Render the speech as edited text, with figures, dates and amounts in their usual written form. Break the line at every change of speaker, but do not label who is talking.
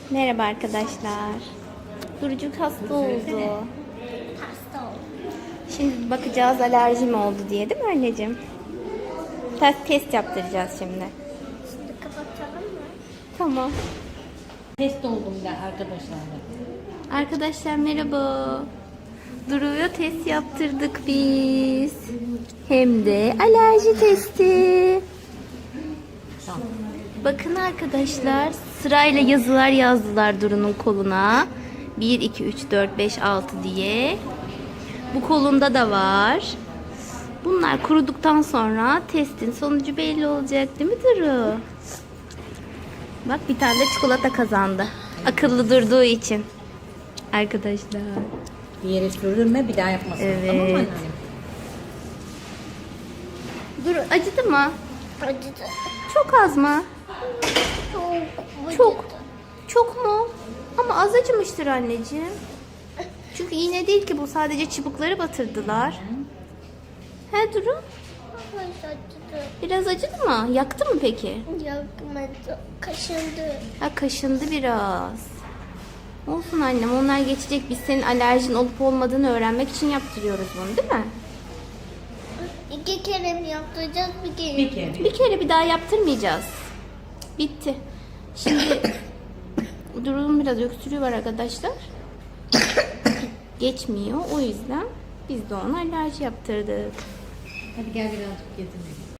Merhaba arkadaşlar. Durucuk hasta oldu.
Hasta oldum.
Şimdi bakacağız alerji mi oldu diye, değil mi anneciğim? Test yaptıracağız şimdi.
Şimdi kapatalım mı?
Tamam.
Test oldum da arkadaşlarla.
Arkadaşlar merhaba. Duru'ya test yaptırdık biz. Hem de alerji testi.
Tamam.
Bakın arkadaşlar, sırayla yazılar yazdılar Duru'nun koluna. 1, 2, 3, 4, 5, 6 diye. Bu kolunda da var. Bunlar kuruduktan sonra testin sonucu belli olacak, değil mi Duru? Bak, bir tane de çikolata kazandı. Akıllı durduğu için. Arkadaşlar.
Bir yere sürülme, bir daha yapmasın.
Evet.
Tamam mı annem?
Duru, acıdı mı?
Acıdı.
Çok az mı?
Çok.
Çok. Çok mu? Ama az acımıştır anneciğim. Çünkü iğne değil ki bu, sadece çubukları batırdılar. He Duru?
Acıdı.
Biraz acıdı mı? Yaktı mı peki?
Yakmadı. Kaşındı.
Ha, kaşındı biraz. Olsun annem, onlar geçecek. Biz senin alerjin olup olmadığını öğrenmek için yaptırıyoruz bunu, değil mi?
2 kere mi yaptıracağız, bir kere?
Bir kere.
Bir kere, bir daha yaptırmayacağız. Bitti. Şimdi Duru'nun biraz öksürüğü var arkadaşlar. Geçmiyor. O yüzden biz de ona alerji yaptırdık.
Hadi gel birazcık getireyim.